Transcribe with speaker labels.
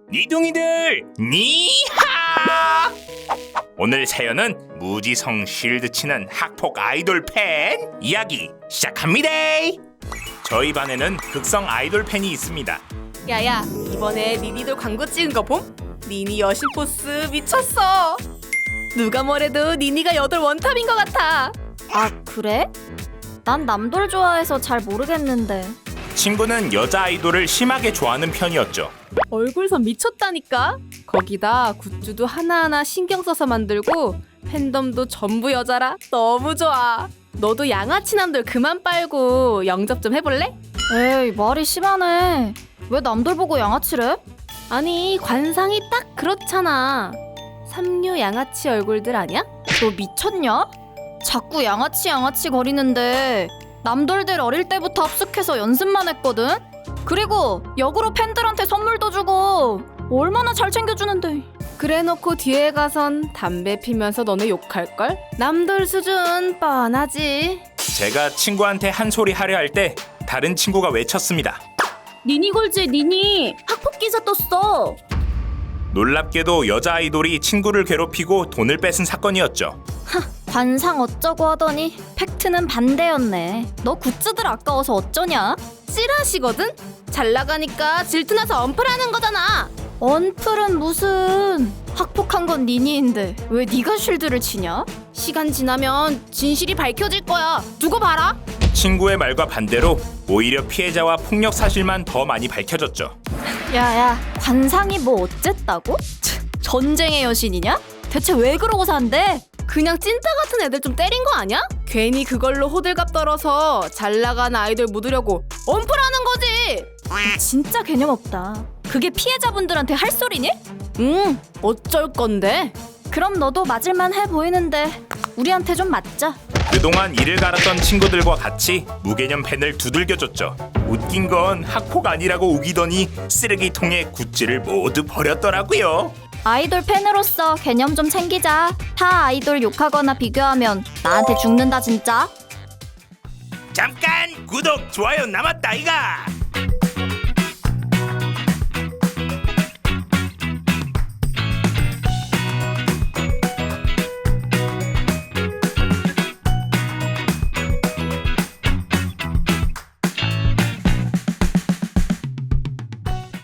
Speaker 1: 니둥이들 니하! 오늘 사연은 무지성 쉴드 치는 학폭 아이돌 팬 이야기 시작합니다. 저희 반에는 극성 아이돌 팬이 있습니다.
Speaker 2: 야야, 이번에 니니돌 광고 찍은 거 봄? 니니 여신 포스 미쳤어. 누가 뭐래도 니니가 여돌 원탑인 것 같아.
Speaker 3: 아, 그래? 난 남돌 좋아해서 잘 모르겠는데.
Speaker 1: 친구는 여자 아이돌을 심하게 좋아하는 편이었죠.
Speaker 2: 얼굴선 미쳤다니까. 거기다 굿즈도 하나하나 신경 써서 만들고 팬덤도 전부 여자라 너무 좋아. 너도 양아치 남돌 그만 빨고 영접 좀 해볼래?
Speaker 3: 에이, 말이 심하네. 왜 남돌 보고 양아치래?
Speaker 2: 아니, 관상이 딱 그렇잖아. 삼류 양아치 얼굴들 아니야?
Speaker 3: 너 미쳤냐? 자꾸 양아치 거리는데 남돌들 어릴 때부터 합숙해서 연습만 했거든? 그리고 역으로 팬들한테 선물도 주고 얼마나 잘 챙겨주는데.
Speaker 2: 그래놓고 뒤에 가선 담배 피면서 너네 욕할걸? 남돌 수준 뻔하지.
Speaker 1: 제가 친구한테 한 소리 하려 할 때 다른 친구가 외쳤습니다.
Speaker 3: 니니골즈 니니 학폭 기사 떴어.
Speaker 1: 놀랍게도 여자 아이돌이 친구를 괴롭히고 돈을 뺏은 사건이었죠.
Speaker 3: 관상 어쩌고 하더니 팩트는 반대였네. 너 굿즈들 아까워서 어쩌냐?
Speaker 2: 찌라시거든? 잘 나가니까 질투나서 언플하는 거잖아.
Speaker 3: 언플은 무슨. 학폭한 건 니니인데 왜 네가 쉴드를 치냐?
Speaker 2: 시간 지나면 진실이 밝혀질 거야. 두고 봐라.
Speaker 1: 친구의 말과 반대로 오히려 피해자와 폭력 사실만 더 많이 밝혀졌죠.
Speaker 3: 야야, 관상이 뭐 어쨌다고? 전쟁의 여신이냐? 대체 왜 그러고 산대?
Speaker 2: 그냥 찐따 같은 애들 좀 때린 거 아니야? 괜히 그걸로 호들갑 떨어서 잘 나간 아이돌 묻으려고 언플하는 거지.
Speaker 3: 진짜 개념 없다. 그게 피해자분들한테 할 소리니?
Speaker 2: 응, 어쩔 건데?
Speaker 3: 그럼 너도 맞을만 해 보이는데 우리한테 좀 맞자.
Speaker 1: 그동안 이를 갈았던 친구들과 같이 무개념 팬을 두들겨줬죠. 웃긴 건 학폭 아니라고 우기더니 쓰레기통에 굿즈를 모두 버렸더라고요.
Speaker 3: 아이돌 팬으로서 개념 좀 챙기자. 타 아이돌 욕하거나 비교하면 나한테 죽는다 진짜.
Speaker 1: 잠깐 구독 좋아요 남았다 이가.